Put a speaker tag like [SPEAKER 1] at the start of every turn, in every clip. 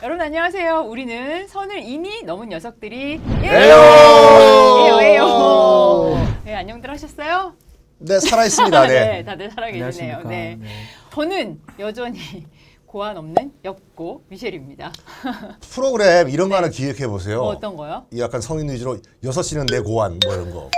[SPEAKER 1] 여러분 안녕하세요. 우리는 선을 이미 넘은 녀석들이
[SPEAKER 2] 에요!
[SPEAKER 1] 에요. 네, 안녕들 하셨어요?
[SPEAKER 2] 네, 살아있습니다.
[SPEAKER 1] 네,
[SPEAKER 2] 네.
[SPEAKER 1] 다들 살아계시네요.
[SPEAKER 3] 안녕하십니까.
[SPEAKER 1] 네.
[SPEAKER 3] 네.
[SPEAKER 1] 저는 여전히 고안 없는 엽고 미셸입니다.
[SPEAKER 2] 프로그램 이런 거 하나 기획해 보세요.
[SPEAKER 1] 뭐 어떤 거요?
[SPEAKER 2] 이 약간 성인 위주로 6시는 내 고안 뭐 이런 거.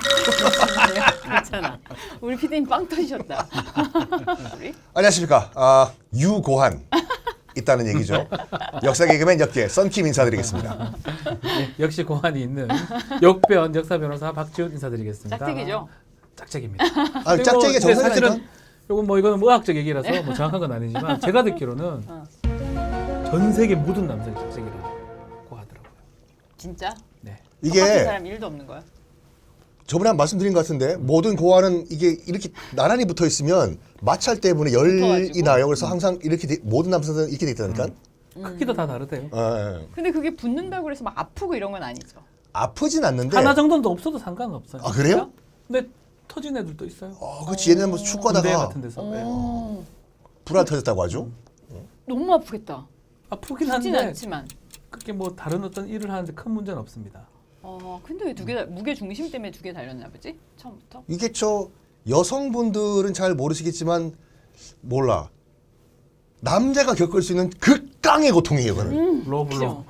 [SPEAKER 1] 괜찮아. 우리 피디님 빵 터지셨다. 우리?
[SPEAKER 2] 안녕하십니까. 유고한 있다는 얘기죠. 역사 개그맨 역계 썬킴 인사드리겠습니다.
[SPEAKER 3] 네, 역시 고환이 있는 역변 역사 변호사 박지훈 인사드리겠습니다.
[SPEAKER 1] 짝짝이죠?
[SPEAKER 3] 짝짝입니다.
[SPEAKER 2] 아, 짝짝이가
[SPEAKER 3] 근데
[SPEAKER 2] 정상이니까.
[SPEAKER 3] 사실은 요건 뭐 이거는 의학적 얘기라서 뭐 정확한 건 아니지만 제가 듣기로는 전 세계 모든 남성이 짝짝이라고 하더라고요.
[SPEAKER 1] 진짜?
[SPEAKER 3] 네.
[SPEAKER 1] 똑같은
[SPEAKER 2] 이게
[SPEAKER 1] 사람 일도 없는 거야?
[SPEAKER 2] 저번에 한 말씀드린 것 같은데 모든 고안은 이게 이렇게 나란히 붙어 있으면 마찰 때문에 열이
[SPEAKER 1] 붙어가지고?
[SPEAKER 2] 나요. 그래서 항상 이렇게 모든 남성들은 이렇게 돼 있다니까.
[SPEAKER 3] 크기도 다 다르대요.
[SPEAKER 2] 예.
[SPEAKER 1] 근데 그게 붙는다고 해서 막 아프고 이런 건 아니죠?
[SPEAKER 2] 아프진 않는데.
[SPEAKER 3] 하나 정도는 없어도 상관은 없어요.
[SPEAKER 2] 아 그래요?
[SPEAKER 3] 근데 터진 애들도 있어요.
[SPEAKER 2] 그렇지. 얘네는 뭐
[SPEAKER 3] 군대
[SPEAKER 2] 축구하다가
[SPEAKER 3] 같은 데서. 네.
[SPEAKER 1] 오,
[SPEAKER 2] 불안 터졌다고 하죠.
[SPEAKER 1] 너무 아프겠다.
[SPEAKER 3] 아프긴
[SPEAKER 1] 죽진
[SPEAKER 3] 한데
[SPEAKER 1] 않지만.
[SPEAKER 3] 그게 뭐 다른 어떤 일을 하는데 큰 문제는 없습니다.
[SPEAKER 1] 근데 왜 두 개 무게 중심 때문에 두 개 달렸나 보지? 처음부터?
[SPEAKER 2] 이게 여성분들은 잘 모르시겠지만 몰라. 남자가 겪을 수 있는 극강의 고통이에요, 그거는.
[SPEAKER 3] 러블러.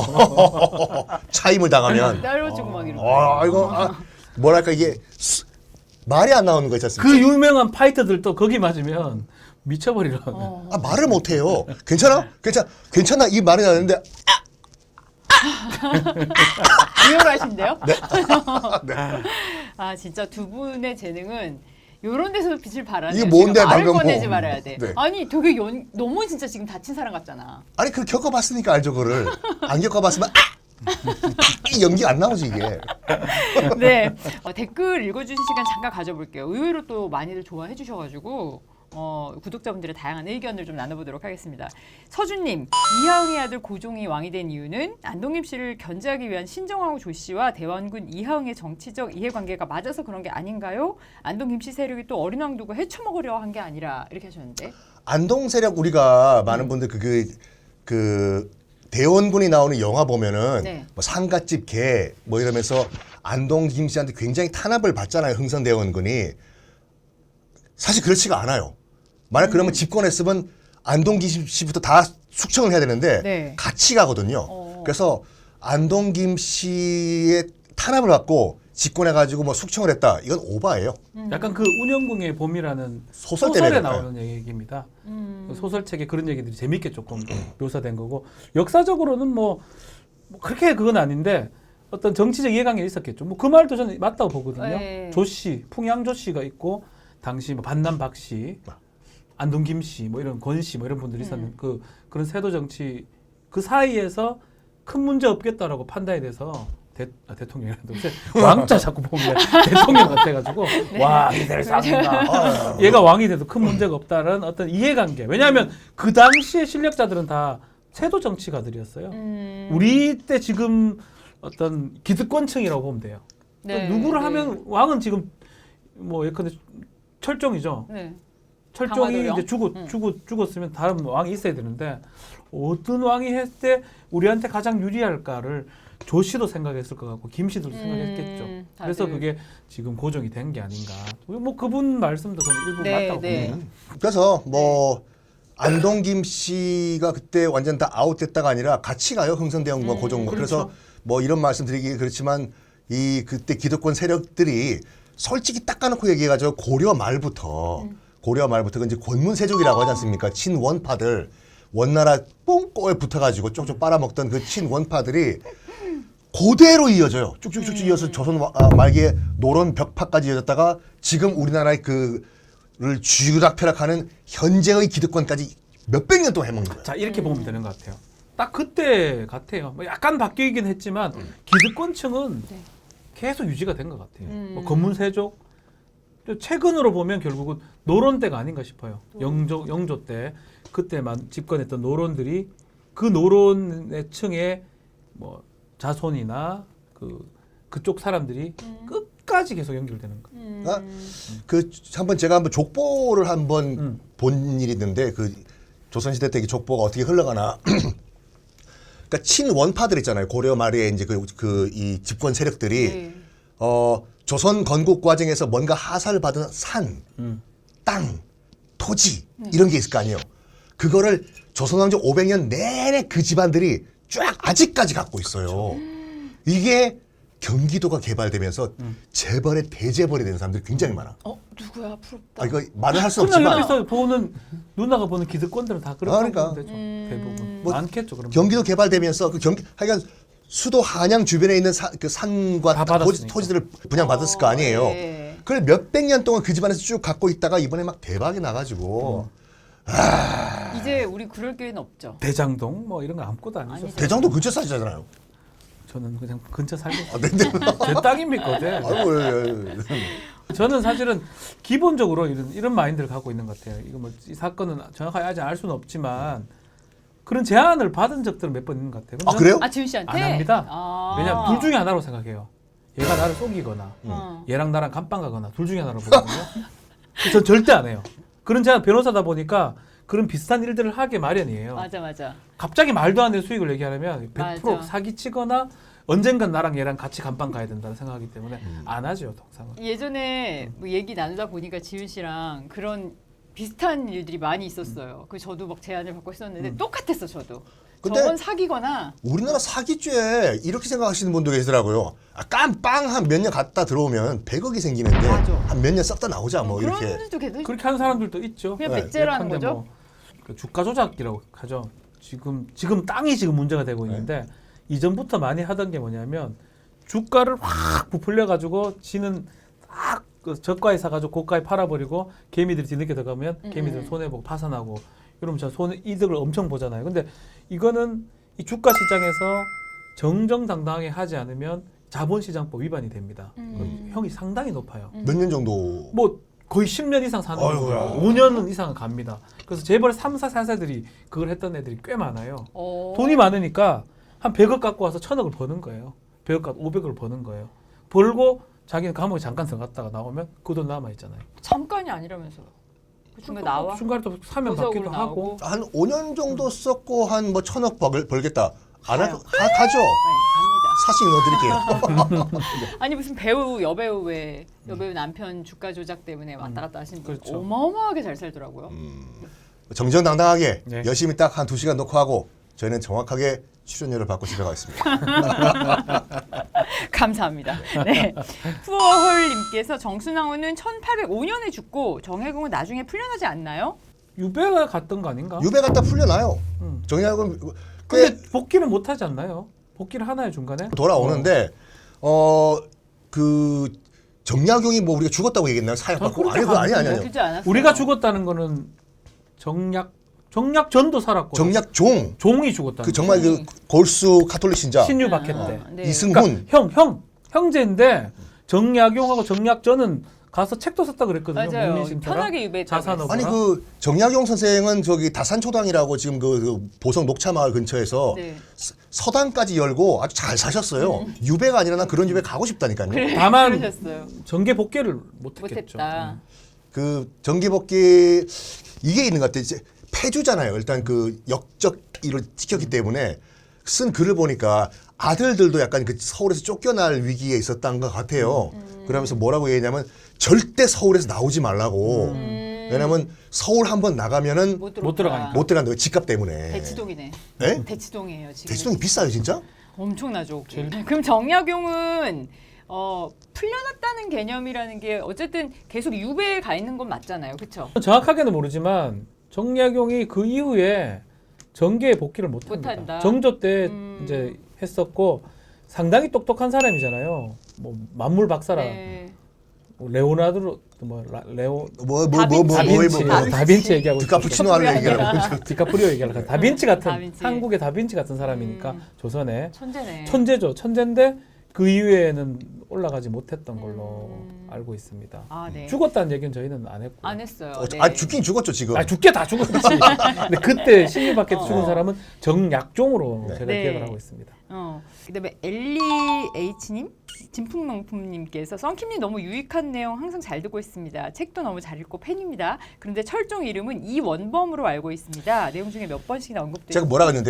[SPEAKER 2] 차임을 당하면.
[SPEAKER 1] 날려주고 막 이러고.
[SPEAKER 2] 이거 뭐랄까 이게 말이 안 나오는 거 있지 않습니까?
[SPEAKER 3] 그 유명한 파이터들도 거기 맞으면 미쳐버리라.
[SPEAKER 2] 말을 못 해요. 괜찮아 이 말이 나는데
[SPEAKER 1] 리얼하신데요?
[SPEAKER 2] 네.
[SPEAKER 1] 아 진짜 두 분의 재능은 이런 데서 빛을 발하네요.
[SPEAKER 2] 이게 뭔데,
[SPEAKER 1] 말을
[SPEAKER 2] 방금
[SPEAKER 1] 꺼내지
[SPEAKER 2] 뭐.
[SPEAKER 1] 말아야 돼.
[SPEAKER 2] 네.
[SPEAKER 1] 아니 되게 너무 진짜 지금 다친 사람 같잖아.
[SPEAKER 2] 아니 그 겪어봤으니까 알죠 그를. 안 겪어봤으면 이 연기 안 나오지 이게.
[SPEAKER 1] 네. 댓글 읽어주신 시간 잠깐 가져볼게요. 의외로 또 많이들 좋아해 주셔가지고 구독자분들의 다양한 의견을 좀 나눠보도록 하겠습니다. 서준님, 이하응의 아들 고종이 왕이 된 이유는 안동김 씨를 견제하기 위한 신정하고 조 씨와 대원군 이하응의 정치적 이해관계가 맞아서 그런 게 아닌가요? 안동김 씨 세력이 또 어린 왕 두고 헤쳐먹으려 한 게 아니라 이렇게 하셨는데.
[SPEAKER 2] 안동 세력 우리가 많은 분들 그 대원군이 나오는 영화 보면은
[SPEAKER 1] 네.
[SPEAKER 2] 뭐 상갓집 개 뭐 이러면서 안동 김씨한테 굉장히 탄압을 받잖아요. 흥선 대원군이. 사실 그렇지가 않아요. 만약 그러면 집권했으면 안동 김씨부터 다 숙청을 해야 되는데
[SPEAKER 1] 네.
[SPEAKER 2] 같이 가거든요. 그래서 안동 김씨의 탄압을 받고 집권해가지고 뭐 숙청을 했다. 이건 오바예요.
[SPEAKER 3] 약간 그 운영궁의 봄이라는
[SPEAKER 2] 소설
[SPEAKER 3] 소설에
[SPEAKER 2] 때문에
[SPEAKER 3] 나오는 얘기입니다. 그 소설책에 그런 얘기들이 재밌게 조금 묘사된 거고 역사적으로는 뭐 그렇게 그건 아닌데 어떤 정치적 이해관계가 있었겠죠. 뭐 그 말도 저는 맞다고 보거든요.
[SPEAKER 1] 네.
[SPEAKER 3] 조 씨, 풍양조 씨가 있고 당시 뭐 반남 박 씨, 안동 김 씨, 뭐 이런 권 씨, 뭐 이런 분들이 있었는 그런 세도 정치 그 사이에서 큰 문제 없겠다라고 판단이 돼서 대통령이라도 왕자 자꾸 보면 대통령 같아가지고 와 이대를 쌉니다. 얘가 왕이 돼도 큰 문제가 없다는 어떤 이해관계. 왜냐하면 그 당시의 실력자들은 다 세도 정치가들이었어요. 우리 때 지금 어떤 기득권층이라고 보면 돼요.
[SPEAKER 1] 네,
[SPEAKER 3] 누구를
[SPEAKER 1] 네.
[SPEAKER 3] 하면 왕은 지금 뭐 예컨대 철종이죠.
[SPEAKER 1] 네.
[SPEAKER 3] 철종이
[SPEAKER 1] 강화도요?
[SPEAKER 3] 이제 죽었으면 다른 왕이 있어야 되는데 어떤 왕이 했을 때 우리한테 가장 유리할까를 조 씨도 생각했을 것 같고 김 씨도 생각했겠죠. 그래서
[SPEAKER 1] 다들.
[SPEAKER 3] 그게 지금 고정이 된 게 아닌가. 뭐 그분 말씀도 저는 일부
[SPEAKER 1] 네,
[SPEAKER 3] 맞다고
[SPEAKER 1] 네.
[SPEAKER 3] 봅니다.
[SPEAKER 2] 그래서 뭐 안동 김씨가 그때 완전 다 아웃됐다가 아니라 같이 가요. 흥선대원과 고종과. 그래서
[SPEAKER 3] 그렇죠.
[SPEAKER 2] 뭐 이런 말씀드리기 그렇지만 이 그때 기득권 세력들이 솔직히 딱 까놓고 얘기해가지고 고려 말부터 그 이제 권문세족이라고 하지 않습니까? 친원파들 원나라 뽕꼬에 붙어가지고 쪽쪽 빨아먹던 그 친원파들이 그대로 이어져요. 쭉쭉쭉 이어서 조선 말기에 노론 벽파까지 이어졌다가 지금 우리나라의 그를 쥐락펴락하는 현재의 기득권까지 몇백 년 동안 해먹는 거예요.
[SPEAKER 3] 자 이렇게 보면 되는 것 같아요. 딱 그때 같아요. 뭐 약간 바뀌긴 했지만 기득권층은 계속 유지가 된 것 같아요. 뭐 건문세족 최근으로 보면 결국은 노론 때가 아닌가 싶어요. 영조 때 그때만 집권했던 노론들이 그 노론의 층의 뭐 자손이나 그쪽 사람들이 끝까지 계속 연결되는 거예요.
[SPEAKER 2] 한번 제가 한번 족보를 한번 본 일이 있는데 그 조선시대 때 족보가 어떻게 흘러가나 그러니까 친원파들 있잖아요. 고려 말에 이제 이 집권 세력들이
[SPEAKER 1] 네.
[SPEAKER 2] 조선 건국 과정에서 뭔가 하사를 받은 산, 땅, 토지 이런 게 있을 거 아니에요. 그거를 조선 왕조 500년 내내 그 집안들이 쫙 아직까지 갖고 있어요. 이게 경기도가 개발되면서 재벌의 대재벌이 되는 사람들이 굉장히 많아.
[SPEAKER 1] 누구야? 부럽다.
[SPEAKER 2] 아, 이거 말을 할 수
[SPEAKER 3] 그냥
[SPEAKER 2] 없지만
[SPEAKER 3] 옆에서 보는 누나가 보는 기득권들은 다 그런
[SPEAKER 2] 그러니까.
[SPEAKER 3] 되죠. 대부분
[SPEAKER 2] 뭐
[SPEAKER 3] 많겠죠. 그럼
[SPEAKER 2] 경기도 개발되면서 하여간 수도 한양 주변에 있는 그 산과
[SPEAKER 3] 다
[SPEAKER 2] 땅,
[SPEAKER 3] 받았으니까.
[SPEAKER 2] 토지들을 분양받았을 거 아니에요.
[SPEAKER 1] 네.
[SPEAKER 2] 그걸 몇백 년 동안 그 집안에서 쭉 갖고 있다가 이번에 막 대박이 나가지고
[SPEAKER 1] 이제 우리 그럴 기회는 없죠.
[SPEAKER 3] 대장동 뭐 이런 거 아무것도 아니죠.
[SPEAKER 1] 아니죠.
[SPEAKER 2] 대장도 근처 사시잖아요.
[SPEAKER 3] 저는 그냥 근처 살고 있어요.
[SPEAKER 2] 아, 네.
[SPEAKER 3] 제 땅입니까? 네.
[SPEAKER 2] 아이고,
[SPEAKER 3] 저는 사실은 기본적으로 이런 마인드를 갖고 있는 것 같아요. 이거 뭐 이 사건은 정확하게 아직 알 수는 없지만 그런 제안을 받은 적들은 몇 번 있는 것 같아요.
[SPEAKER 2] 아 그래요?
[SPEAKER 1] 아 지훈 씨한테?
[SPEAKER 3] 안 합니다.
[SPEAKER 1] 아.
[SPEAKER 3] 왜냐면 둘 중에 하나로 생각해요. 얘가 나를 속이거나
[SPEAKER 1] 어.
[SPEAKER 3] 얘랑 나랑 감방 가거나 둘 중에 하나로 보거든요. 전 절대 안 해요. 그런 제가 변호사다 보니까 그런 비슷한 일들을 하게 마련이에요.
[SPEAKER 1] 맞아.
[SPEAKER 3] 갑자기 말도 안 되는 수익을 얘기하려면 100%
[SPEAKER 1] 맞아.
[SPEAKER 3] 사기치거나 언젠간 나랑 얘랑 같이 감방 가야 된다는 생각하기 때문에 안 하죠, 통상은.
[SPEAKER 1] 예전에 뭐 얘기 나누다 보니까 지훈 씨랑 그런 비슷한 일들이 많이 있었어요. 그 저도 막 제안을 받고 했었는데 똑같았어 저도.
[SPEAKER 2] 근데
[SPEAKER 1] 저건 사기거나
[SPEAKER 2] 우리나라 사기죄 이렇게 생각하시는 분도 계시더라고요. 깜빵 한 몇 년 갔다 들어오면 100억이 생기는데
[SPEAKER 1] 맞아.
[SPEAKER 2] 한 몇 년 썩다 나오자 뭐
[SPEAKER 1] 그런
[SPEAKER 2] 이렇게.
[SPEAKER 1] 분들도 계속
[SPEAKER 3] 그렇게 하는 사람들도 있죠.
[SPEAKER 1] 그냥
[SPEAKER 2] 네.
[SPEAKER 1] 백제라는
[SPEAKER 3] 예컨대
[SPEAKER 1] 거죠.
[SPEAKER 3] 뭐, 그 주가 조작이라고 하죠. 지금 땅이 지금 문제가 되고 있는데 이전부터 많이 하던 게 뭐냐면 주가를 확 부풀려 가지고 지는 딱 그 저가에 사가지고 고가에 팔아버리고 개미들이 뒤늦게 들어가면 개미들 손해 보고 파산하고 이러면 저 손해 이득을 엄청 보잖아요. 근데 이거는 이 주가 시장에서 정정당당하게 하지 않으면 자본시장법 위반이 됩니다. 형이 상당히 높아요.
[SPEAKER 2] 몇 년 정도.
[SPEAKER 3] 뭐 거의 10년 이상 사는
[SPEAKER 2] 아이고야.
[SPEAKER 3] 거예요. 5년 이상은 갑니다. 그래서 재벌 3사, 4사들이 그걸 했던 애들이 꽤 많아요. 돈이 많으니까 한 100억 갖고 와서 1000억을 버는 거예요. 100억 갖고 500억을 버는 거예요. 벌고 자기는 감옥에 잠깐 들어갔다가 나오면 그 돈 남아 있잖아요.
[SPEAKER 1] 잠깐이 아니라면서요. 그 중간 나와.
[SPEAKER 3] 중간에 또 사면
[SPEAKER 1] 보석으로
[SPEAKER 3] 받기도 하고.
[SPEAKER 2] 한 5년 정도 썼고 한 뭐 1000억 벌겠다. 안
[SPEAKER 1] 가요.
[SPEAKER 2] 가죠.
[SPEAKER 1] 네, 갑니다.
[SPEAKER 2] 사실 넣어드릴게요.
[SPEAKER 1] 아니 무슨 배우 여배우 왜 여배우 남편 주가 조작 때문에 왔다 갔다 하신 분
[SPEAKER 3] 그렇죠.
[SPEAKER 1] 어마어마하게 잘 살더라고요.
[SPEAKER 2] 정정당당하게
[SPEAKER 3] 네.
[SPEAKER 2] 열심히 딱 한 2시간 놓고 하고 저희는 정확하게 출연료를 받고 집에 가겠습니다.
[SPEAKER 1] 감사합니다. 네. 푸어홀님께서 정순왕후는 1805년에 죽고 정혜공은 나중에 풀려나지 않나요?
[SPEAKER 3] 유배가 갔던 거 아닌가?
[SPEAKER 2] 유배 갔다 풀려나요.
[SPEAKER 3] 음.
[SPEAKER 2] 정약은
[SPEAKER 3] 근데
[SPEAKER 2] 꽤
[SPEAKER 3] 복귀는 못 하지 않나요? 복귀를 하나요 중간에?
[SPEAKER 2] 돌아오는데 그 정약용이 뭐 우리가 죽었다고 얘기했나요? 사형 받고
[SPEAKER 3] 그렇게
[SPEAKER 2] 아니 그거 아니
[SPEAKER 3] 가는데.
[SPEAKER 2] 아니요.
[SPEAKER 1] 그렇지 않았어요?
[SPEAKER 3] 우리가 죽었다는 거는 정약전도 살았고
[SPEAKER 2] 정약종
[SPEAKER 3] 종이 죽었다.
[SPEAKER 2] 그 정말 그 골수 카톨릭 신자
[SPEAKER 3] 신유 박해 때.
[SPEAKER 1] 네.
[SPEAKER 2] 이승훈
[SPEAKER 3] 그러니까 형제인데 정약용하고 정약전은 가서 책도 썼다 그랬거든요.
[SPEAKER 1] 맞아요.
[SPEAKER 3] 문민심처럼.
[SPEAKER 1] 편하게 유배했다고
[SPEAKER 3] 자산업을.
[SPEAKER 2] 아니 그 정약용 선생은 저기 다산초당이라고 지금 그 보성 녹차마을 근처에서
[SPEAKER 1] 네.
[SPEAKER 2] 서당까지 열고 아주 잘 사셨어요. 유배가 아니라 난 그런 유배 가고 싶다니까요.
[SPEAKER 3] 다만
[SPEAKER 1] 그러셨어요.
[SPEAKER 3] 정계 복귀를 못했겠죠.
[SPEAKER 1] 못했다.
[SPEAKER 2] 그 정기복귀 이게 있는 것 같아요. 이제 폐주잖아요. 일단 그 역적 일을 지켰기 때문에 쓴 글을 보니까 아들들도 약간 그 서울에서 쫓겨날 위기에 있었던 것 같아요. 그러면서 뭐라고 얘기했냐면 절대 서울에서 나오지 말라고. 왜냐면 서울 한번 나가면은
[SPEAKER 1] 못
[SPEAKER 3] 들어가니까.
[SPEAKER 2] 못 들어간다고 집값 때문에.
[SPEAKER 1] 대치동이네.
[SPEAKER 2] 예?
[SPEAKER 1] 대치동이에요 지금.
[SPEAKER 2] 대치동이 비싸요 진짜?
[SPEAKER 1] 엄청나죠. 그럼 정약용은 풀려났다는 개념이라는 게 어쨌든 계속 유배에 가 있는 건 맞잖아요, 그렇죠?
[SPEAKER 3] 정확하게는 모르지만 정약용이 그 이후에 정계에 복귀를 못합니다.
[SPEAKER 1] 못한다.
[SPEAKER 3] 정조 때 이제 했었고 상당히 똑똑한 사람이잖아요. 뭐 만물 박사라
[SPEAKER 1] 네.
[SPEAKER 3] 레오나르도 레오
[SPEAKER 1] 다빈치.
[SPEAKER 3] 다빈치 얘기하고
[SPEAKER 2] 디카푸치노를 얘기하는
[SPEAKER 3] 디카프리오 얘기하고 다빈치 같은
[SPEAKER 1] 다빈치.
[SPEAKER 3] 한국의 다빈치 같은 사람이니까 조선에
[SPEAKER 1] 천재네.
[SPEAKER 3] 천재죠. 천재인데 그 이후에는 올라가지 못했던 걸로 알고 있습니다.
[SPEAKER 1] 아, 네.
[SPEAKER 3] 죽었다는 얘기는 저희는 안 했고.
[SPEAKER 1] 안 했어요. 네.
[SPEAKER 2] 아 죽긴 죽었죠 지금.
[SPEAKER 3] 아 죽게 다 죽었지. 근데 그때 신유밖에 죽은 사람은 정약종으로
[SPEAKER 2] 네.
[SPEAKER 3] 제가
[SPEAKER 1] 네.
[SPEAKER 3] 기억을 하고 있습니다.
[SPEAKER 1] 그다음에 엘리 H님, 진풍명품님께서 썬킴님 너무 유익한 내용 항상 잘 듣고 있습니다. 책도 너무 잘 읽고 팬입니다. 그런데 철종 이름은 이원범으로 알고 있습니다. 내용 중에 몇 번씩이나 언급되고
[SPEAKER 2] 제가 뭐라 그랬는데요?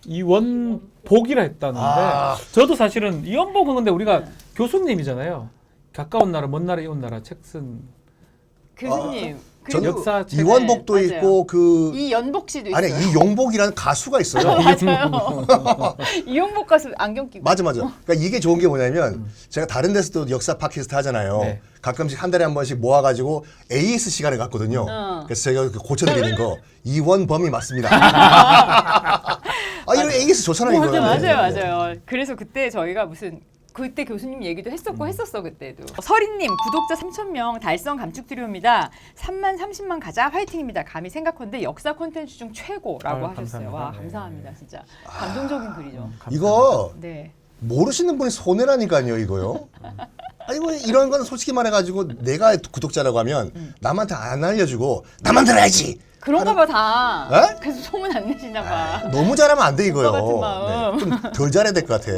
[SPEAKER 3] 이원복이라 했다는데 저도 사실은 이원복은 근데 우리가 교수님이잖아요. 가까운 나라, 먼 나라, 이웃 나라 책 쓴
[SPEAKER 1] 교수님.
[SPEAKER 2] 저는
[SPEAKER 1] 그리고
[SPEAKER 3] 역사 책.
[SPEAKER 2] 이원복도
[SPEAKER 1] 맞아요.
[SPEAKER 2] 있고 그
[SPEAKER 1] 이연복 씨도 있어요.
[SPEAKER 2] 아니 이용복이라는 가수가 있어요.
[SPEAKER 1] 맞아요. 이용복 가수 안경 끼고.
[SPEAKER 2] 맞아. 그러니까 이게 좋은 게 뭐냐면 제가 다른 데서도 역사 팟캐스트 하잖아요.
[SPEAKER 3] 네.
[SPEAKER 2] 가끔씩 한 달에 한 번씩 모아가지고 AS 시간을 갖거든요. 그래서 제가 고쳐드리는 거 이원범이 맞습니다. 이런 AS 좋잖아요. 이거.
[SPEAKER 1] 맞아요. 그래서 그때 저희가 그때 교수님 얘기도 했었어 그때도. 서린님 구독자 3,000명 달성 감축드리옵니다. 3만 30만 가자 화이팅입니다. 감히 생각컨대 역사 콘텐츠 중 최고라고 하셨어요.
[SPEAKER 3] 감사합니다.
[SPEAKER 1] 와
[SPEAKER 3] 네.
[SPEAKER 1] 감사합니다 진짜 감동적인 글이죠.
[SPEAKER 2] 이거
[SPEAKER 1] 네.
[SPEAKER 2] 모르시는 분이 손해라니까요, 이거요. 이거 이런 거는 솔직히 말해가지고 내가 구독자라고 하면 남한테 안 알려주고 나만 들어야지.
[SPEAKER 1] 그런가 봐 다.
[SPEAKER 2] 에?
[SPEAKER 1] 그래서 소문 안 내시나 봐.
[SPEAKER 2] 너무 잘하면 안 돼 이거요.
[SPEAKER 1] 오빠 같은 마음.
[SPEAKER 2] 좀 덜 잘해야 될 것 같아.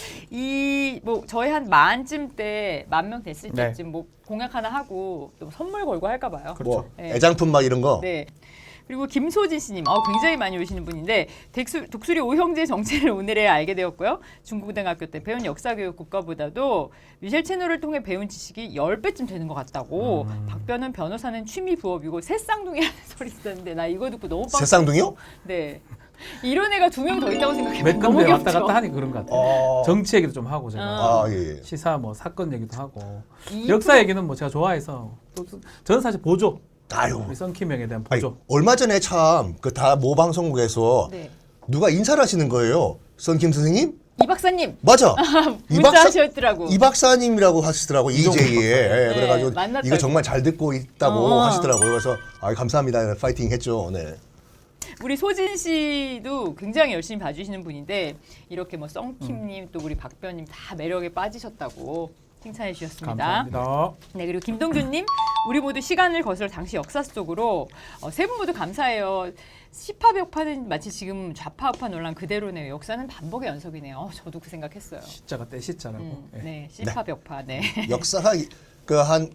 [SPEAKER 1] 저희 한 만쯤 때 10,000명 됐을
[SPEAKER 3] 네.
[SPEAKER 1] 때쯤 뭐 공약 하나 하고 또 선물 걸고 할까 봐요.
[SPEAKER 2] 뭐
[SPEAKER 1] 네.
[SPEAKER 2] 애장품 막 이런 거.
[SPEAKER 1] 네. 그리고 김소진 씨님, 굉장히 많이 오시는 분인데 독수리 오형제 정체를 오늘에 알게 되었고요. 중고등학교 때 배운 역사교육 국가보다도 미셸 채널을 통해 배운 지식이 10배쯤 되는 것 같다고. 박변은 변호사는 취미 부업이고 새쌍둥이라는 소리 있었는데 나 이거 듣고 너무
[SPEAKER 2] 새쌍둥이요?
[SPEAKER 1] 네. 이런 애가 2명 더 있다고 생각해보면
[SPEAKER 3] 몇
[SPEAKER 1] 너무
[SPEAKER 3] 군데
[SPEAKER 1] 귀엽죠.
[SPEAKER 3] 왔다 갔다 하니 그런 것 같아요. 정치 얘기도 좀 하고 제가
[SPEAKER 2] 예.
[SPEAKER 3] 시사 뭐 사건 얘기도 하고
[SPEAKER 1] 이
[SPEAKER 3] 역사 얘기는 뭐 제가 좋아해서 또 저는 사실 보조
[SPEAKER 2] 아유.
[SPEAKER 3] 우리 썬킴형에 대한
[SPEAKER 2] 아니,
[SPEAKER 3] 보조.
[SPEAKER 2] 얼마 전에 참 그 다 모방송국에서
[SPEAKER 1] 네.
[SPEAKER 2] 누가 인사를 하시는 거예요. 썬킴 선생님?
[SPEAKER 1] 이 박사님
[SPEAKER 2] 맞아.
[SPEAKER 1] 문자 하셨더라고.
[SPEAKER 2] 이 박사님이라고 하시더라고 이재희에.
[SPEAKER 1] 네,
[SPEAKER 2] 그래가지고
[SPEAKER 1] 만났다고.
[SPEAKER 2] 이거 정말 잘 듣고 있다고 하시더라고요. 그래서 감사합니다. 파이팅 했죠. 네.
[SPEAKER 1] 우리 소진 씨도 굉장히 열심히 봐주시는 분인데 이렇게 뭐 썬킴님 또 우리 박변님 다 매력에 빠지셨다고 칭찬해 주셨습니다.
[SPEAKER 3] 감사합니다.
[SPEAKER 1] 네 그리고 김동균님 우리 모두 시간을 거슬러 당시 역사 속으로 세 분 모두 감사해요. 시파 벽파는 마치 지금 좌파 우파 논란 그대로네요. 역사는 반복의 연속이네요. 저도 그 생각했어요.
[SPEAKER 3] 시자가 떼시자라고. 예.
[SPEAKER 1] 네 시파 벽파 네.
[SPEAKER 2] 역사가 그 한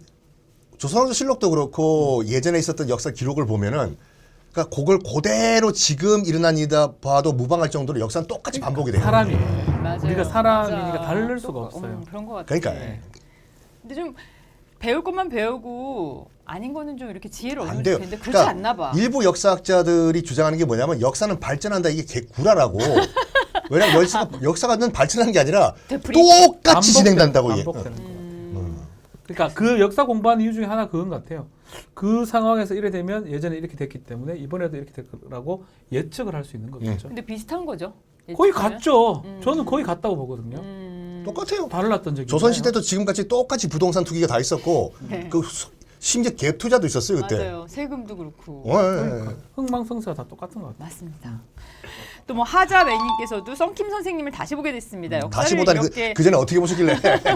[SPEAKER 2] 조선왕조실록도 그렇고 예전에 있었던 역사 기록을 보면은 그러니까 그걸 그대로 지금 일어난 일이다 봐도 무방할 정도로 역사는 똑같이 반복이 돼요.
[SPEAKER 3] 사람이
[SPEAKER 1] 맞아요.
[SPEAKER 3] 우리가 사람이니까
[SPEAKER 1] 맞아.
[SPEAKER 3] 다를 수가 없어요.
[SPEAKER 1] 그런 것 같아요.
[SPEAKER 2] 그러니까
[SPEAKER 3] 네.
[SPEAKER 1] 근데 좀 배울 것만 배우고 아닌 거는 좀 이렇게 지혜를
[SPEAKER 2] 안
[SPEAKER 1] 얻으면
[SPEAKER 2] 돼요.
[SPEAKER 1] 좋겠는데 그렇지 않나 봐.
[SPEAKER 2] 일부 역사학자들이 주장하는 게 뭐냐면 역사는 발전한다 이게 개구라라고. 왜냐면 역사는 발전하는 게 아니라
[SPEAKER 1] 되풀이?
[SPEAKER 2] 똑같이 진행된다고 얘기해요.
[SPEAKER 3] 반복되는 거. 그러니까 그 역사 공부하는 이유 중에 하나 그건 것 같아요. 그 상황에서 이래 되면 예전에 이렇게 됐기 때문에 이번에도 이렇게 될 거라고 예측을 할 수 있는 거겠죠.
[SPEAKER 1] 근데 비슷한 거죠.
[SPEAKER 3] 거의
[SPEAKER 1] 예측하면?
[SPEAKER 3] 같죠. 저는 거의 같다고 보거든요.
[SPEAKER 2] 똑같아요.
[SPEAKER 3] 달랐던 적이
[SPEAKER 2] 조선시대도 지금같이 똑같이 부동산 투기가 다 있었고
[SPEAKER 1] 네.
[SPEAKER 2] 심지어 갭 투자도 있었어요 그때.
[SPEAKER 1] 맞아요. 세금도 그렇고.
[SPEAKER 2] 예.
[SPEAKER 3] 흥망성쇠가 다 똑같은 것 같아요.
[SPEAKER 1] 맞습니다. 또 뭐 하자 매님께서도 썬킴 선생님을 다시 보게 됐습니다. 역사를
[SPEAKER 2] 다시 보다니
[SPEAKER 1] 이렇게
[SPEAKER 2] 그 전에 어떻게 보셨길래?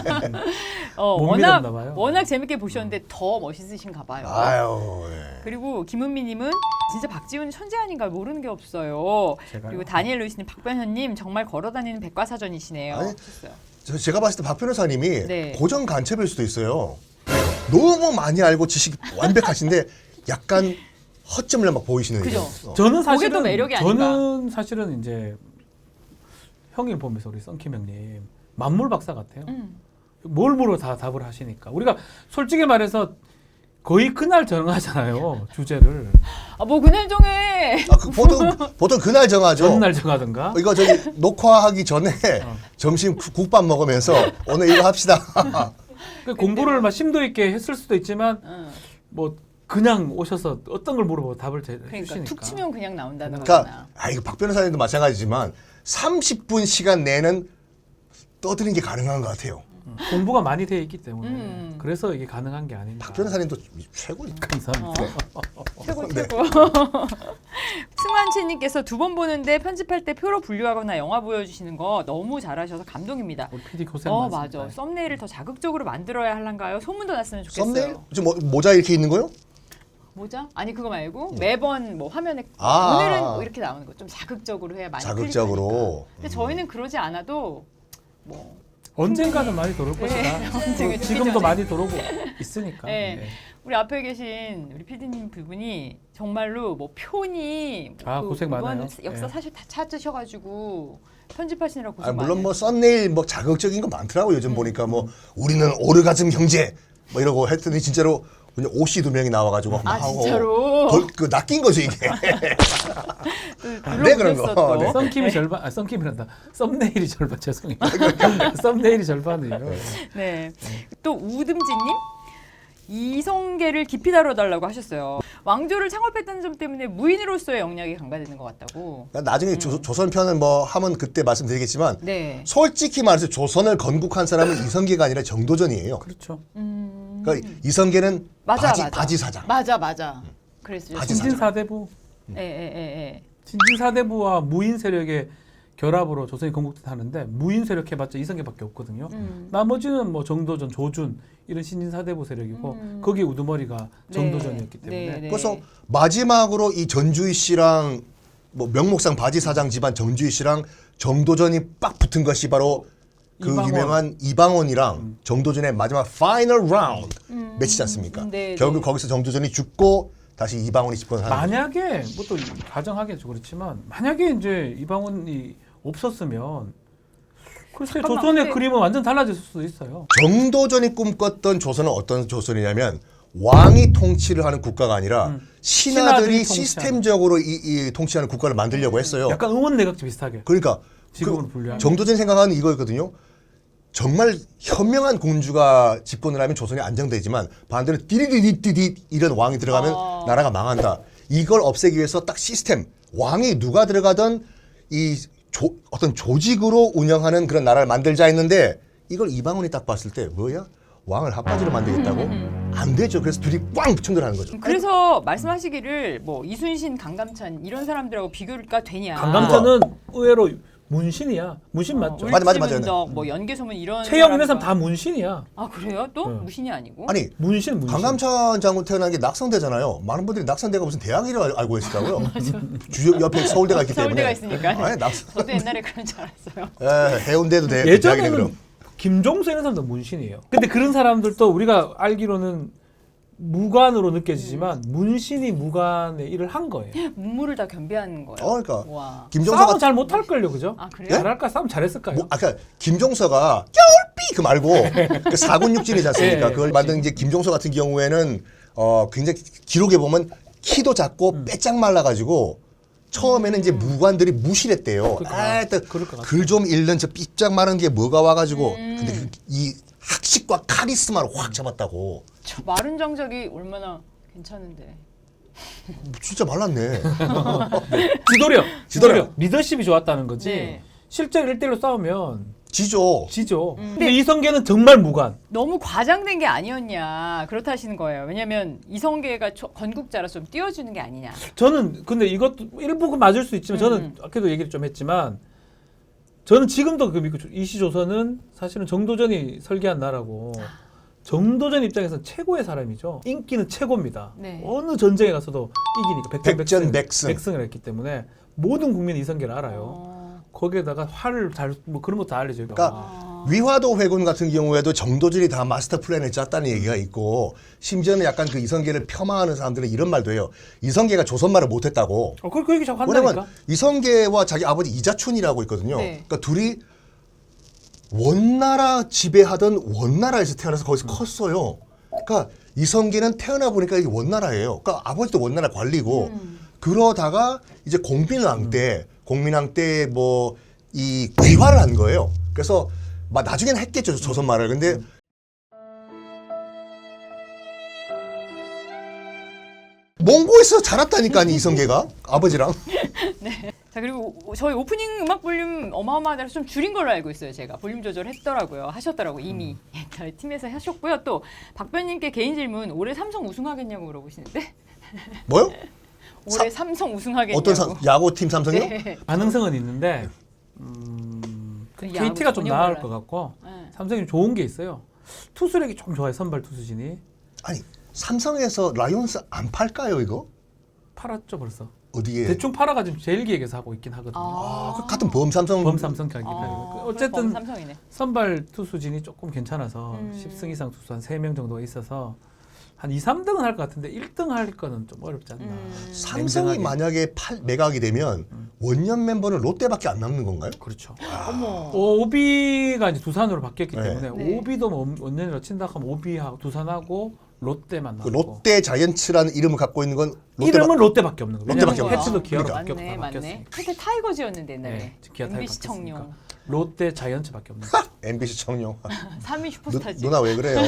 [SPEAKER 3] 못 믿었나 봐요.
[SPEAKER 1] 워낙 재밌게 보셨는데 더 멋있으신가 봐요.
[SPEAKER 2] 아유. 예.
[SPEAKER 1] 그리고 김은미님은 진짜 박지훈 천재 아닌가 모르는 게 없어요.
[SPEAKER 3] 제가요?
[SPEAKER 1] 그리고 다니엘 루이스님, 박변현님 정말 걸어다니는 백과사전이시네요.
[SPEAKER 2] 아니,
[SPEAKER 1] 하셨어요.
[SPEAKER 2] 제가 봤을 때 박 변호사님이
[SPEAKER 1] 네.
[SPEAKER 2] 고정 간첩일 수도 있어요. 너무 많이 알고 지식이 완벽하신데 약간 허점을 막 보이시는.
[SPEAKER 1] 그죠.
[SPEAKER 3] 저는
[SPEAKER 1] 그게
[SPEAKER 3] 사실은
[SPEAKER 1] 또 매력이 아닌가.
[SPEAKER 3] 저는 사실은 이제 형님 보면서 우리 썬킴 형님 만물 박사 같아요. 뭘 물어 다 답을 하시니까 우리가 솔직히 말해서 거의 그날 정하잖아요 주제를.
[SPEAKER 1] 뭐 그날 정해.
[SPEAKER 2] 보통 그날 정하죠.
[SPEAKER 3] 전날 정하든가.
[SPEAKER 2] 이거 저기 녹화하기 전에 점심 국밥 먹으면서 오늘 이거 합시다.
[SPEAKER 3] 그 공부를 막 심도 있게 했을 수도 있지만 뭐 그냥 오셔서 어떤 걸 물어보고 답을
[SPEAKER 1] 그러니까
[SPEAKER 3] 해주시니까.
[SPEAKER 1] 툭 치면 그냥 나온다는
[SPEAKER 2] 그러니까
[SPEAKER 1] 거잖아.
[SPEAKER 2] 이거 박 변호사님도 마찬가지지만 30분 시간 내는 떠드는 게 가능한 것 같아요.
[SPEAKER 3] 공부가 많이 돼 있기 때문에 그래서 이게 가능한 게 아닌가.
[SPEAKER 2] 박 변호사님도 최고니까.
[SPEAKER 3] 감사합니다.
[SPEAKER 1] 최고
[SPEAKER 2] 네.
[SPEAKER 1] 최고. 승환채님께서 2번 보는데 편집할 때 표로 분류하거나 영화 보여주시는 거 너무 잘하셔서 감동입니다.
[SPEAKER 3] 우리 PD 고생 많습니다.
[SPEAKER 1] 맞아. 썸네일을 더 자극적으로 만들어야 할란가요? 소문도 났으면 좋겠어요.
[SPEAKER 2] 썸네일? 지금 모자 이렇게 있는 거요?
[SPEAKER 1] 모자? 아니 그거 말고 매번 뭐 화면에
[SPEAKER 2] 아.
[SPEAKER 1] 오늘은 뭐 이렇게 나오는 거 좀 자극적으로 해야 많이
[SPEAKER 2] 자극적으로.
[SPEAKER 1] 클릭하니까. 근데 저희는 그러지 않아도 뭐
[SPEAKER 3] 언젠가는 많이 돌을
[SPEAKER 1] 네,
[SPEAKER 3] 것이다.
[SPEAKER 1] 언젠가
[SPEAKER 3] 지금도
[SPEAKER 1] 전에.
[SPEAKER 3] 많이 돌고 있으니까.
[SPEAKER 1] 네.
[SPEAKER 3] 네.
[SPEAKER 1] 우리 앞에 계신 우리 PD님 두 분이 정말로 뭐 표니
[SPEAKER 3] 고생 많아요.
[SPEAKER 1] 이번 역사
[SPEAKER 3] 예.
[SPEAKER 1] 사실 다 찾으셔가지고 편집하시느라 고생
[SPEAKER 2] 아,
[SPEAKER 1] 많이
[SPEAKER 2] 물론 뭐
[SPEAKER 1] 하셨어요.
[SPEAKER 2] 썸네일 뭐 자극적인 거 많더라고 요즘 보니까 뭐 우리는 오르가즘 형제 뭐 이러고 했더니 진짜로 그냥 오씨 두 명이 나와가지고 막
[SPEAKER 1] 아
[SPEAKER 2] 하고
[SPEAKER 1] 진짜로?
[SPEAKER 2] 그 낚인 거죠 이게.
[SPEAKER 1] 네,
[SPEAKER 2] 그런 거.
[SPEAKER 1] 또.
[SPEAKER 2] 네.
[SPEAKER 3] 썸킴이 절반, 썸킴이란다. 썸네일이 절반 죄송해요. 썸네일이 절반이에요.
[SPEAKER 1] 네. 또 우듬지님 이성계를 깊이 다뤄달라고 하셨어요. 왕조를 창업했다는 점 때문에 무인으로서의 역량이 강화되는 것 같다고.
[SPEAKER 2] 그러니까 나중에 조선 편은 뭐 하면 그때 말씀드리겠지만
[SPEAKER 1] 네.
[SPEAKER 2] 솔직히 말해서 조선을 건국한 사람은 이성계가 아니라 정도전이에요.
[SPEAKER 3] 그렇죠.
[SPEAKER 2] 그러니까 이성계는
[SPEAKER 1] 맞아.
[SPEAKER 2] 바지 사장.
[SPEAKER 1] 맞아. 그랬어요.
[SPEAKER 2] 바지 사장.
[SPEAKER 3] 신진사대부.
[SPEAKER 1] 예.
[SPEAKER 3] 신진사대부와 무인 세력의 결합으로 조선이 건국하는데 무인 세력 해봤자 이성계밖에 없거든요. 나머지는 뭐 정도전, 조준 이런 신진사대부 세력이고 거기 우두머리가 정도전이었기 때문에
[SPEAKER 1] 네.
[SPEAKER 2] 그래서 마지막으로 이 전주희 씨랑 뭐 명목상 바지 사장 집안 전주희 씨랑 정도전이 빡 붙은 것이 바로 그
[SPEAKER 3] 이방원.
[SPEAKER 2] 유명한 이방원이랑 정도전의 마지막 파이널 라운드 매치지 않습니까?
[SPEAKER 1] 네,
[SPEAKER 2] 결국
[SPEAKER 1] 네.
[SPEAKER 2] 거기서 정도전이 죽고 다시 이방원이 집권하는 거죠.
[SPEAKER 3] 만약에 뭐 또 가정하겠죠. 그렇지만 만약에 이제 이방원이 없었으면 글쎄
[SPEAKER 1] 잠깐만,
[SPEAKER 3] 조선의
[SPEAKER 1] 근데-
[SPEAKER 3] 그림은 완전 달라질 수도 있어요.
[SPEAKER 2] 정도전이 꿈꿨던 조선은 어떤 조선이냐면 왕이 통치를 하는 국가가 아니라 신하들이
[SPEAKER 3] 신하들이 통치하는.
[SPEAKER 2] 시스템적으로 이 통치하는 국가를 만들려고 했어요.
[SPEAKER 3] 약간 응원 내각제 비슷하게.
[SPEAKER 2] 그러니까
[SPEAKER 3] 지금으로
[SPEAKER 2] 그
[SPEAKER 3] 분류하면.
[SPEAKER 2] 정도전 생각하는 이거였거든요. 정말 현명한 공주가 집권을 하면 조선이 안정되지만 반대로 띠리디디디디 이런 왕이 들어가면 나라가 망한다. 이걸 없애기 위해서 딱 시스템 왕이 누가 들어가던 이 어떤 조직으로 운영하는 그런 나라를 만들자 했는데 이걸 이방원이 딱 봤을 때 뭐야? 왕을 핫바지로 만들겠다고? 안 되죠. 그래서 둘이 꽝 충돌하는 거죠.
[SPEAKER 1] 그래서 말씀하시기를 뭐 이순신, 강감찬 이런 사람들하고 비교가 되냐?
[SPEAKER 3] 강감찬은 의외로 문신이야. 문신 맞죠?
[SPEAKER 2] 맞아.
[SPEAKER 1] 울지문덕, 뭐 연개소문 이런.
[SPEAKER 3] 최영 이런 사람
[SPEAKER 1] 사람과-
[SPEAKER 3] 다 문신이야.
[SPEAKER 1] 아 그래요? 또
[SPEAKER 3] 네.
[SPEAKER 1] 무신이 아니고?
[SPEAKER 2] 아니
[SPEAKER 3] 문신.
[SPEAKER 2] 강감찬 장군 태어난 게 낙성대잖아요. 많은 분들이 낙성대가 무슨 대학이라고 알고 계시더라고요. 주 옆에 서울대가 있기 때문에.
[SPEAKER 1] 서울대가 있으니까.
[SPEAKER 2] 아니,
[SPEAKER 1] 저도 옛날에 그런 줄 알았어요.
[SPEAKER 2] 해운대도 대학이네
[SPEAKER 3] 예전에는
[SPEAKER 2] 그럼.
[SPEAKER 3] 김종수 이런 사람도 문신이에요. 근데 그런 사람들도 우리가 알기로는 무관으로 느껴지지만 문신이 무관의 일을 한 거예요.
[SPEAKER 1] 문물을 다 겸비하는 거예요.
[SPEAKER 2] 그러니까
[SPEAKER 1] 와.
[SPEAKER 2] 김종서가
[SPEAKER 3] 싸움 잘 못할걸요, 그죠?
[SPEAKER 1] 아 그래요?
[SPEAKER 3] 잘할까? 싸움 잘했을까요?
[SPEAKER 2] 뭐, 아까 김종서가 겨울비 그 말고 그 사군육진이지 않습니까?
[SPEAKER 3] 예,
[SPEAKER 2] 그걸 만든 이제 김종서 같은 경우에는 굉장히 기록에 보면 키도 작고 빼짝 말라가지고 처음에는 이제 무관들이 무실했대요.
[SPEAKER 3] 그럴 것 같아요.
[SPEAKER 2] 글 좀 읽는 저 삐짝 마른 게 뭐가 와가지고 근데 이 학식과 카리스마를 확 잡았다고.
[SPEAKER 1] 저 마른 장작이 얼마나 괜찮은데.
[SPEAKER 2] 진짜 말랐네.
[SPEAKER 3] 지도력. 리더십이 좋았다는 거지.
[SPEAKER 1] 네.
[SPEAKER 3] 실제로 1대1로 싸우면
[SPEAKER 2] 지죠.
[SPEAKER 3] 지죠. 근데 이성계는 정말 무관.
[SPEAKER 1] 너무 과장된 게 아니었냐 그렇다 하시는 거예요. 왜냐하면 이성계가 건국자라서 좀 띄워주는 게 아니냐.
[SPEAKER 3] 저는 근데 이것도 일부 맞을 수 있지만 저는 아까도 얘기를 좀 했지만 저는 지금도 그 믿고 이시조선은 사실은 정도전이 설계한 나라고 정도전 입장에서는 최고의 사람이죠. 인기는 최고입니다.
[SPEAKER 1] 네.
[SPEAKER 3] 어느 전쟁에 가서도 이기니까
[SPEAKER 2] 백전백승.
[SPEAKER 3] 백승을 했기 때문에 모든 국민이 이성계를 알아요. 거기에다가 활을 뭐 그런 것도 알려줘요.
[SPEAKER 2] 그러니까 위화도 회군 같은 경우에도 정도전이 다 마스터 플랜을 짰다는 얘기가 있고 심지어는 약간 그 이성계를 폄하하는 사람들은 이런 말도 해요. 이성계가 조선말을 못했다고.
[SPEAKER 3] 그 얘기 자꾸 한다니까.
[SPEAKER 2] 왜냐면 이성계와 자기 아버지 이자춘이라고 있거든요.
[SPEAKER 1] 네.
[SPEAKER 2] 그러니까 둘이 원나라 지배하던 원나라에서 태어나서 거기서 컸어요. 그러니까 이성계는 태어나 보니까 이게 원나라예요. 그러니까 아버지도 원나라 관리고 그러다가 이제 공민왕 때 뭐 이 귀화를 한 거예요. 그래서 막 나중에는 했겠죠 조선말을. 근데 몽고에서 자랐다니까 이성계가 아버지랑.
[SPEAKER 1] 자 그리고 저희 오프닝 음악 볼륨 어마어마하다고 좀 줄인 걸로 알고 있어요. 제가 볼륨 조절했더라고요. 하셨더라고 이미 저희 팀에서 하셨고요. 또 박변님께 개인 질문 올해 삼성 우승하겠냐고 물어보시는데
[SPEAKER 2] 뭐요?
[SPEAKER 1] 올해 삼성 우승하겠냐고.
[SPEAKER 2] 어떤 야구팀 삼성이요?
[SPEAKER 1] 네.
[SPEAKER 3] 가능성은 있는데
[SPEAKER 1] 그
[SPEAKER 3] KT가
[SPEAKER 1] 야구
[SPEAKER 3] 좀
[SPEAKER 1] 전혀
[SPEAKER 3] 나을
[SPEAKER 1] 몰라요.
[SPEAKER 3] 것 같고
[SPEAKER 1] 네.
[SPEAKER 3] 삼성이 좋은 게 있어요. 투수력이 좀 좋아요. 선발 투수진이
[SPEAKER 2] 아니 삼성에서 라이온스 안 팔까요 이거?
[SPEAKER 3] 팔았죠 벌써.
[SPEAKER 2] 어디에?
[SPEAKER 3] 대충 팔아가지고 제일 기획에서 하고 있긴 하거든요.
[SPEAKER 2] 그 같은 범삼성.
[SPEAKER 3] 범삼성 경기가 어쨌든
[SPEAKER 1] 삼성이네.
[SPEAKER 3] 선발 투수진이 조금 괜찮아서 10승 이상 투수 한 3명 정도가 있어서 한 2, 3등은 할 것 같은데 1등 할 거는 좀 어렵지 않나.
[SPEAKER 2] 삼성이 만약에 매각이 되면 원년 멤버는 롯데밖에 안 남는 건가요?
[SPEAKER 3] 그렇죠.
[SPEAKER 1] 어머.
[SPEAKER 3] 오비가 이제 두산으로 바뀌었기
[SPEAKER 2] 네.
[SPEAKER 3] 때문에
[SPEAKER 1] 네.
[SPEAKER 3] 오비도 뭐 원년으로 친다 하면 오비하고 두산하고 롯데만
[SPEAKER 2] 그
[SPEAKER 3] 남고
[SPEAKER 2] 롯데 자이언츠라는 이름을 갖고 있는 건
[SPEAKER 3] 이름은 롯데밖에 없는 거예요.
[SPEAKER 2] 롯데밖에
[SPEAKER 3] 왜냐면
[SPEAKER 2] 없는
[SPEAKER 3] 패치도 기아로
[SPEAKER 2] 그러니까.
[SPEAKER 1] 맞네, 맞네.
[SPEAKER 3] 바뀌었으니까.
[SPEAKER 1] 그때 타이거즈였는데 옛날에.
[SPEAKER 3] 네, 기아 타이거
[SPEAKER 1] MBC 청룡.
[SPEAKER 3] 바뀌었으니까. 롯데 자이언츠밖에 없는 거예요.
[SPEAKER 2] MBC 청룡.
[SPEAKER 1] 3위 슈퍼스타즈.
[SPEAKER 2] 누나 왜 그래요?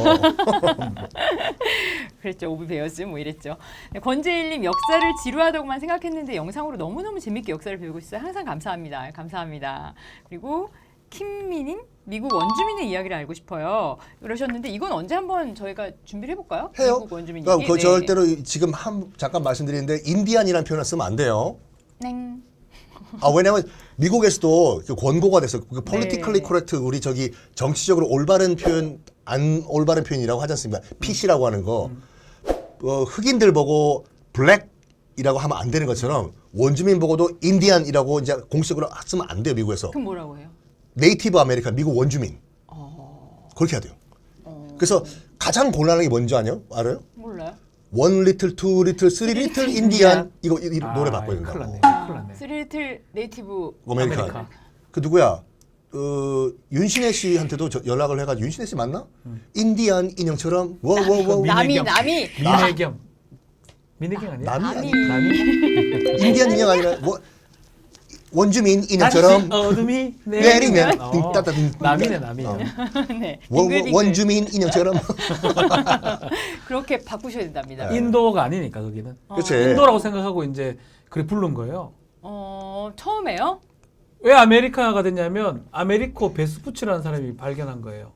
[SPEAKER 1] 그랬죠. 오비 베어즈 뭐 이랬죠. 네, 권재일님 역사를 지루하다고만 생각했는데 영상으로 너무너무 재밌게 역사를 배우고 있어요. 항상 감사합니다. 감사합니다. 그리고 김미님 미국 원주민의 이야기를 알고 싶어요. 그러셨는데 이건 언제 한번 저희가 준비를 해볼까요?
[SPEAKER 2] 해요.
[SPEAKER 1] 미국 원주민
[SPEAKER 2] 그러니까
[SPEAKER 1] 얘기.
[SPEAKER 2] 그 절대로 지금 잠깐 말씀드리는데 인디안이라는 표현을 쓰면 안 돼요.
[SPEAKER 1] 넹.
[SPEAKER 2] 왜냐면 미국에서도 그 권고가 돼서 그 politically
[SPEAKER 1] 네.
[SPEAKER 2] correct 우리 저기 정치적으로 올바른 표현 안 올바른 표현이라고 하지 않습니까? PC라고 하는 거 흑인들 보고 블랙이라고 하면 안 되는 것처럼 원주민 보고도 인디안이라고 이제 공식으로 쓰면 안 돼요 미국에서.
[SPEAKER 1] 그럼 뭐라고 해요?
[SPEAKER 2] 네이티브 아메리칸 미국 원주민 그렇게 해야 돼요. 그래서 가장 곤란한 게 뭔지 알아요?
[SPEAKER 1] 몰라요.
[SPEAKER 2] 원 리틀, 투 리틀, 쓰리 리틀 인디안 이거 노래 바꿔야
[SPEAKER 3] 큰일
[SPEAKER 2] 된다고.
[SPEAKER 3] 났네. 큰일 났네.
[SPEAKER 1] 스리틀 네이티브
[SPEAKER 2] 아메리칸.
[SPEAKER 3] 아메리칸.
[SPEAKER 2] 그 누구야? 윤신혜 씨한테도 연락을 해가지고 윤신혜 씨 맞나? 인디안 인형처럼 워워워
[SPEAKER 1] 남이
[SPEAKER 3] 민혜경. 민혜경 아니야?
[SPEAKER 2] 남이
[SPEAKER 1] 남이
[SPEAKER 2] 인디안 인형 아니라 원주민 인형처럼
[SPEAKER 3] 다시 어둠이
[SPEAKER 2] 내리면
[SPEAKER 3] 어,
[SPEAKER 2] 띵따따
[SPEAKER 3] 남이네 남이.
[SPEAKER 1] 네.
[SPEAKER 2] 원주민 인형처럼
[SPEAKER 1] 그렇게 바꾸셔야 된답니다.
[SPEAKER 3] 인도가 아니니까 거기는.
[SPEAKER 2] 그치.
[SPEAKER 3] 인도라고 생각하고 이제 그래 부른 거예요.
[SPEAKER 1] 처음에요?
[SPEAKER 3] 왜 아메리카가 됐냐면 아메리코 베스푸치라는 사람이 발견한 거예요.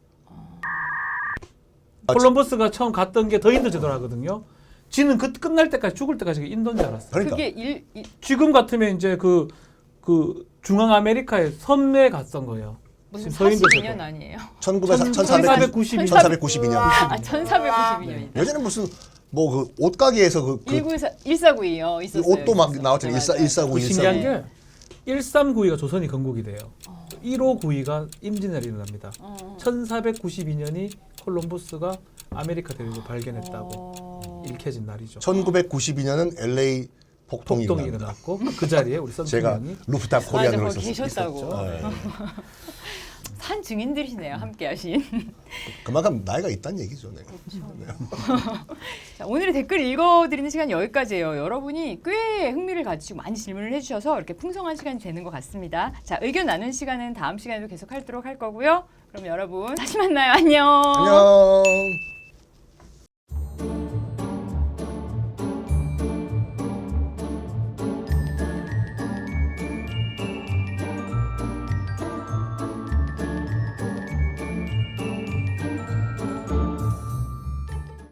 [SPEAKER 3] 콜럼버스가 처음 갔던 게 더 인도 제도를 하거든요. 지는 그 끝날 때까지 죽을 때까지 인도인 줄 알았어.
[SPEAKER 2] 그러니까
[SPEAKER 1] 그게
[SPEAKER 3] 지금 같으면 이제 그 중앙 아메리카의 섬에 갔던 거예요.
[SPEAKER 1] 무슨
[SPEAKER 3] 지금 서인도
[SPEAKER 1] 42년
[SPEAKER 3] 제도.
[SPEAKER 1] 아니에요?
[SPEAKER 3] 1492
[SPEAKER 2] 1492년.
[SPEAKER 1] 아, 1492년이다.
[SPEAKER 2] 예전에 무슨 뭐 그 옷가게에서 그
[SPEAKER 1] 1492요. 있었어요.
[SPEAKER 2] 옷도 막
[SPEAKER 1] 있었어요.
[SPEAKER 2] 나왔잖아요.
[SPEAKER 1] 네, 맞아요.
[SPEAKER 2] 1492,
[SPEAKER 3] 그 신기한
[SPEAKER 2] 1492.
[SPEAKER 3] 게 1392가 조선이 건국이 돼요. 1592가 임진왜란이 일어납니다. 1492년이 콜럼버스가 아메리카 대륙을 발견했다고 일켜진 날이죠.
[SPEAKER 2] 1992년은 LA 폭동이
[SPEAKER 3] 폭동이
[SPEAKER 2] 일어납니다.
[SPEAKER 3] 일어났고 그 자리에 우리
[SPEAKER 2] 제가
[SPEAKER 3] 선생님이
[SPEAKER 2] 루프탑
[SPEAKER 1] 맞아,
[SPEAKER 2] 코리안으로
[SPEAKER 1] 거기
[SPEAKER 2] 있었어요.
[SPEAKER 1] 계셨다고.
[SPEAKER 2] 네.
[SPEAKER 1] 산 증인들이시네요. 함께하신.
[SPEAKER 2] 그만큼 나이가 있다는 얘기죠. 네.
[SPEAKER 1] 자, 오늘의 댓글 읽어드리는 시간 여기까지예요. 여러분이 꽤 흥미를 가지고 많이 질문을 해주셔서 이렇게 풍성한 시간이 되는 것 같습니다. 자, 의견 나눈 시간은 다음 시간에도 계속 하도록 할 거고요. 그럼 여러분 다시 만나요. 안녕.
[SPEAKER 2] 안녕.